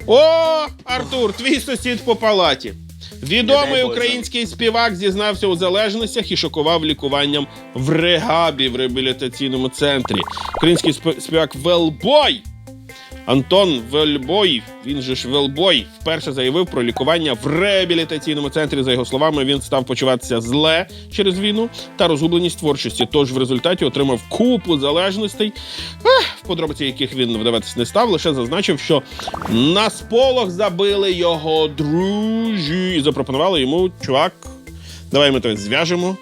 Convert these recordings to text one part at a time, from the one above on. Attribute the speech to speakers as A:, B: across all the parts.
A: О, Артур, твій сусід по палаті. Відомий український співак зізнався у залежностях і шокував лікуванням в регабі в реабілітаційному центрі. Український співак Велбой Антон Вельбой, він же ж Велбой, вперше заявив про лікування в реабілітаційному центрі. За його словами, він став почуватися зле через війну та розгубленість творчості. Тож в результаті отримав купу залежностей, в подробиці яких він вдаватись не став, лише зазначив, що на сполох забили його друзі і запропонували йому: чувак, давай ми тебе зв'яжемо,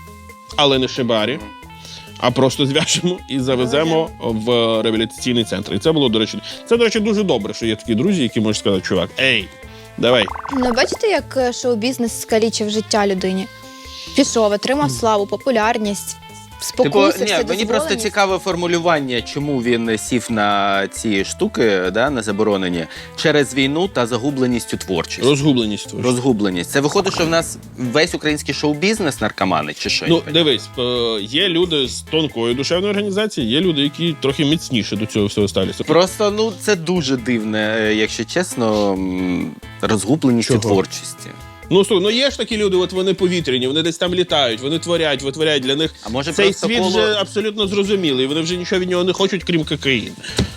A: але не шибарі, а просто зв'яжемо і завеземо в реабілітаційний центр. І це було, до речі, дуже добре, що є такі друзі, які можуть сказати: чувак, ей, давай.
B: Ну, бачите, як шоу-бізнес скалічив життя людині? Пішов, отримав славу, популярність, спокусився,
C: мені просто цікаве формулювання, чому він сів на ці штуки, да, на заборонені, через війну та загубленість у творчості.
A: Розгубленість.
C: Розгубленість. Це виходить, що в нас весь український шоу-бізнес наркомани, чи що?
A: Ну, дивись, є люди з тонкою душевною організацією, є люди, які трохи міцніше до цього всього ставляться.
C: Просто, ну, це дуже дивне, якщо чесно, розгубленість у творчості.
A: Ну, слухай, ну є ж такі люди, от вони повітряні, вони десь там літають, вони творять, витворяють. Для них
C: а може
A: цей світ вже абсолютно зрозумілий, вони вже нічого від нього не хочуть, крім кокаїну.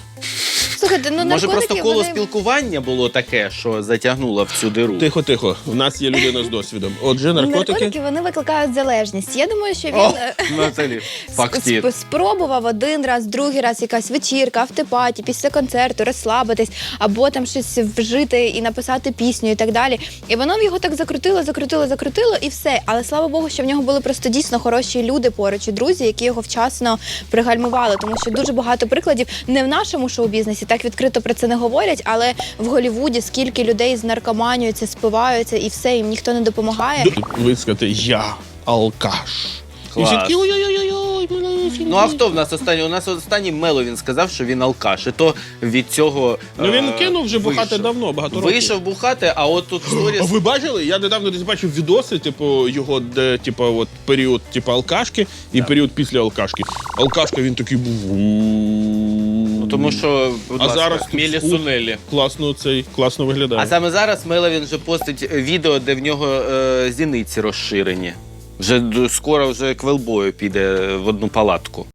B: Слухайте, ну,
C: може, просто коло
B: вони...
C: спілкування було таке, що затягнуло в цю диру?
A: Тихо, в нас є людина з досвідом. Отже, наркотики,
B: вони викликають залежність. Я думаю, що він
C: Наталі, фактір.
B: спробував один раз, другий раз якась вечірка, автопаті, після концерту, розслабитись, або там щось вжити і написати пісню і так далі. І воно в його так закрутило і все. Але слава Богу, що в нього були просто дійсно хороші люди поруч і друзі, які його вчасно пригальмували. Тому що дуже багато прикладів не в нашому шоу-бізнесі, так відкрито про це не говорять, але в Голлівуді скільки людей з наркоманією спиваються і все, їм ніхто не допомагає.
A: Висказати: я алкаш.
C: Клас.
A: І всі такі: ой-ой-ой,
C: Ну, а хто в нас останній? У нас останній Мело, він сказав, що він алкаш. І то від цього
A: Ну, він кинув вже бухати давно, багато років.
C: Вийшов бухати, а от тут сторіс...
A: А ви бачили? Я недавно десь бачив відоси, типу, його, де, типу, от період, типу, алкашки і період після алкашки. Алкашка, він такий був.
C: Ну, тому що, будь ласка,
A: зараз
C: Мілі Сунелі.
A: Класно виглядає.
C: А саме зараз Мело, він вже постить відео, де в нього зіниці розширені. Вже скоро вже к Велбою піде в одну палатку.